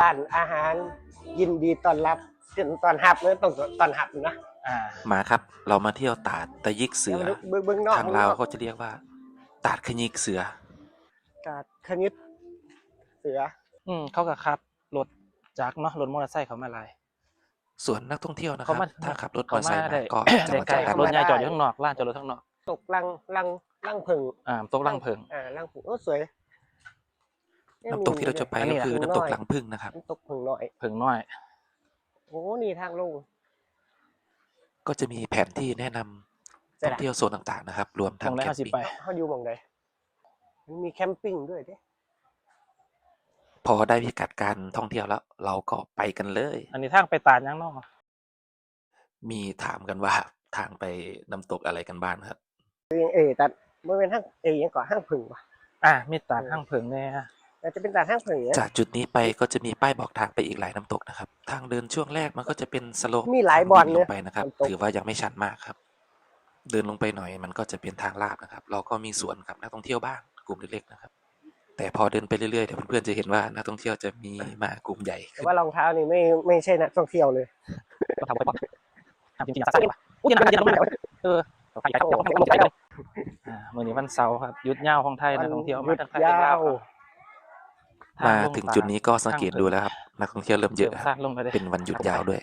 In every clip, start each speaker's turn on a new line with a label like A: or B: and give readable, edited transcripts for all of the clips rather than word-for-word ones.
A: านอาหารยินดีต้อนรับตอนหับเลยต้องตอนหับนะ
B: มาครับเรามาเที่ยวตาดตะยิกเสือ
A: เบิ้งนอก
B: ทางลาวเขาจะเรียกว่าตาดขยิกเสือ
A: ตาดขยิบเสือ
C: เขาก็ขับรถจักรเนาะรถมอเตอร์ไซค์เขามาหลาย
B: ส่วนนักท่องเที่ยวนะครับถ้าขับรถมอเตอร์ไซค์มาก็จะ
C: ได้
B: มา
C: ไกล
B: จอดกัน
C: รถใหญ่จอดอยู่ข้างนอกลานจอดรถข้างนอก
A: ตกลังผึ่ง
C: ตกลังเพิง
A: ลังผึ่งสวย
B: น้ำตกที่เราจะไปก็คือน้ำตกหลังพึ่งนะครับ
A: น้ำตกผึ่งน้อยโอ้นี่ทางลง
B: ก็จะมีแผนที่แนะนำท่องเที่ยวโซนต่างๆนะครับรวมทั้งแคมปิ้ง
A: เขาอยู่หม่องใดมีแคมปิ้งด้วยเด้
B: พอได้พิกัดการท่องเที่ยวแล้วเราก็ไปกันเลย
C: อันนี้ทางไปตาดยังนอก
B: มีถามกันว่าทางไปน้ำตกอะไรกันบ้างครับ
A: ตัดมันเป็นทางยังก่อห้างผึ่งป่ะ
C: มีตาดห้างเพิงแน่
A: จะเป็นตาดห้างผึ่ง
B: จากจุดนี้ไปก็จะมีป้ายบอกทางไปอีกหลายน้ำตกนะครับทางเดินช่วงแรกมันก็จะเป็นสโลป
A: มีหลายบอล
B: ลงไปนะครับถือว่ายังไม่ชันมากครับเดินลงไปหน่อยมันก็จะเป็นทางลาดนะครับเราก็มีสวนกับนักท่องเที่ยวบ้างกลุ่มเล็กๆนะครับแต่พอเดินไปเรื่อยๆเดี๋ยวเพื่อนๆจะเห็นว่านักท่องเที่ยวจะมีมากลุ่มใหญ่
A: แต่ว่ารองเท้านี่ไม่ใช่นักท่องเที่ยวเลย
C: รองเท้าไปป๊อปจริงๆอยากใส่ป่ะอย่าลงมาไปไปมื้อนี้วันเสาร์ครับหยุดยาวของไทยนักท่องเที่ยวมาทางไทยยาว
B: มาถึงจุดนี้ก็สังเกตดูแล้วครับนักท่องเที่ยวเริ่มเยอะเป็นวันหยุดยาวด้วย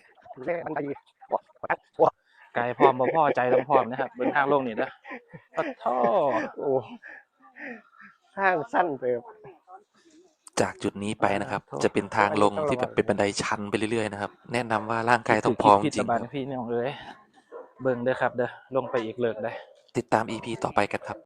C: ไกลพร้อมบ่พอใจต้องพร้อมนะครับเดินทางลงนี่เด้อปะท้อ
A: ทางสั้นไป
B: จากจุดนี้ไปนะครับจะเป็นทางลงที่แบบเป็นบันไดชันไปเรื่อยๆนะครับแนะนำว่าร่างกายต้องพร้อมจริง
C: พี่น้องเอ้ยเบิ่งเด้อครับเด้อลงไปอีกเลิกได้
B: ติดตาม EP ต่อไปกันครับ